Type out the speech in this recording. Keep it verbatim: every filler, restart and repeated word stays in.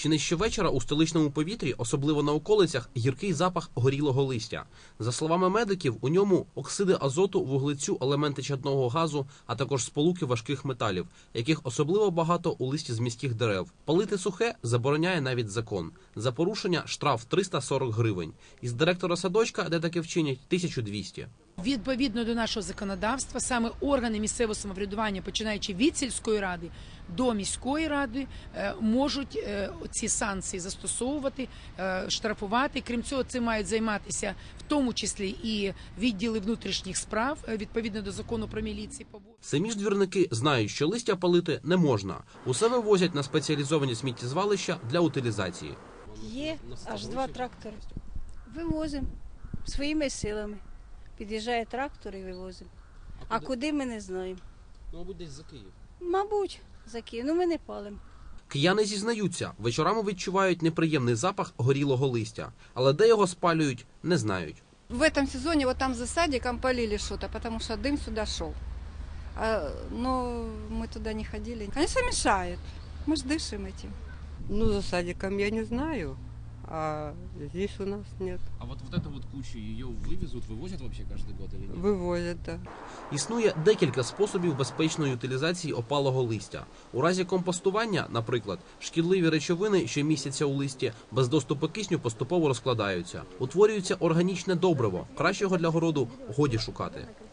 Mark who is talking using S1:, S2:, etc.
S1: Чи не щовечора у столичному повітрі, особливо на околицях, гіркий запах горілого листя. За словами медиків, у ньому оксиди азоту, вуглецю, елементи чадного газу, а також сполуки важких металів, яких особливо багато у листі з міських дерев. Палити сухе забороняє навіть закон. За порушення штраф триста сорок гривень. Із директора садочка, де таке вчинять, тисяча двісті.
S2: Відповідно до нашого законодавства, саме органи місцевого самоврядування, починаючи від сільської ради до міської ради, можуть ці санкції застосовувати, штрафувати. Крім цього, цим мають займатися в тому числі і відділи внутрішніх справ, відповідно до закону про міліцію.
S1: Самі ж двірники знають, що листя палити не можна. Усе вивозять на спеціалізовані сміттєзвалища для утилізації.
S3: Є аж два трактори. Вивозимо своїми силами. Під'їжджає трактор і вивозимо. А, а куди? куди ми не знаємо.
S1: Ну, мабуть, десь за Київ.
S3: Мабуть, за Київ. Ну, ми не палимо.
S1: Кияни зізнаються, вечорами відчувають неприємний запах горілого листя. Але де його спалюють, не знають.
S4: В этом сезоне вот там за садиком полили что-то, потому что дым сюда шел. А, но мы туда не ходили. Конечно, мешает. Мы же дышим этим.
S5: Ну, за садиком я не знаю, а здесь у нас нет.
S1: А вот, вот эта вот куча, ее вывезут, вывозят вообще каждый год или нет?
S5: Вивозять, так.
S1: Існує декілька способів безпечної утилізації опалого листя. У разі компостування, наприклад, шкідливі речовини, що містяться у листі, без доступу кисню поступово розкладаються. Утворюється органічне добриво. Кращого для городу годі шукати.